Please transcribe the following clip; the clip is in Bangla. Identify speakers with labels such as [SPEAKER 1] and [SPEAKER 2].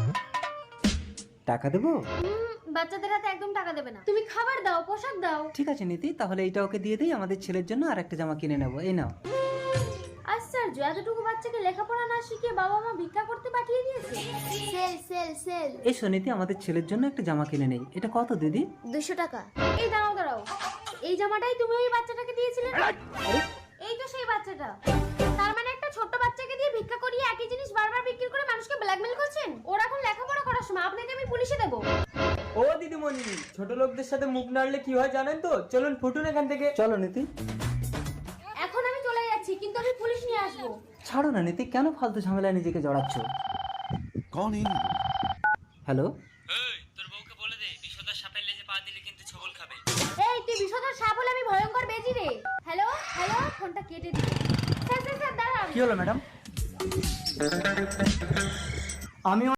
[SPEAKER 1] টাকা দেবো?
[SPEAKER 2] বাচ্চাদের হাতে একদম টাকা দেবে না, তুমি খাবার দাও, পোশাক দাও।
[SPEAKER 1] ঠিক আছে নীতি, তাহলে এইটা ওকে দিয়ে দিই, আমাদের ছেলের জন্য আর একটা জামা কিনে নেবো। এই নাও।
[SPEAKER 2] আশ্চর্য, এতটুকু বাচ্চাকে লেখাপড়া না শিখিয়ে বাবা মা ভিক্ষা করতে পাঠিয়ে দিয়েছে। Sale sale sale.
[SPEAKER 1] এসো নীতি, আমাদের ছেলের জন্য একটা জামা কিনে নেই। এটা কত দিদি?
[SPEAKER 2] 200 টাকা। এই দাঁড়াও দাঁড়াও, এই জামাটাই তুমি ওই বাচ্চাটাকে দিয়েছিলে না? এই তো সেই বাচ্চাটা। তার মানে একটা ছোট্ট বাচ্চাকে দিয়ে ভিক্ষা করিয়ে একই জিনিস বারবার বিক্রি করে মানুষকে ব্ল্যাকমেল করছেন। ওরা এখন লেখাপড়া করার সময়, আপনাকে আমি পুলিশে দেবো।
[SPEAKER 3] ও দিদিমণি, ছোট লোকদের সাথে মুখ নাড়লে কি হয় জানেন তো? চলুন ফুটুন এখান থেকে।
[SPEAKER 1] চলো নীতি।
[SPEAKER 2] এখন আমি চলে যাচ্ছি, কিন্তু আমি পুলিশ নিয়ে আসবো।
[SPEAKER 1] ছাড়ো না নীতি, কেন ফালতু ঝামেলায় নিজেকে জড়াচ্ছ?
[SPEAKER 4] कौन है?
[SPEAKER 1] হ্যালো,
[SPEAKER 3] তোর বউকে বলে দে বিষধর সাপের লেজে পা দিলে কিন্তু ছবল খাবে।
[SPEAKER 2] এই তুই বিষধর সাপ হলে আমি ভয়ঙ্কর বেজি রে। হ্যালো হ্যালো, ফোনটা কেটে দিই। স্যার স্যার স্যার দাঁড়ান।
[SPEAKER 1] কি হলো ম্যাডাম? আমি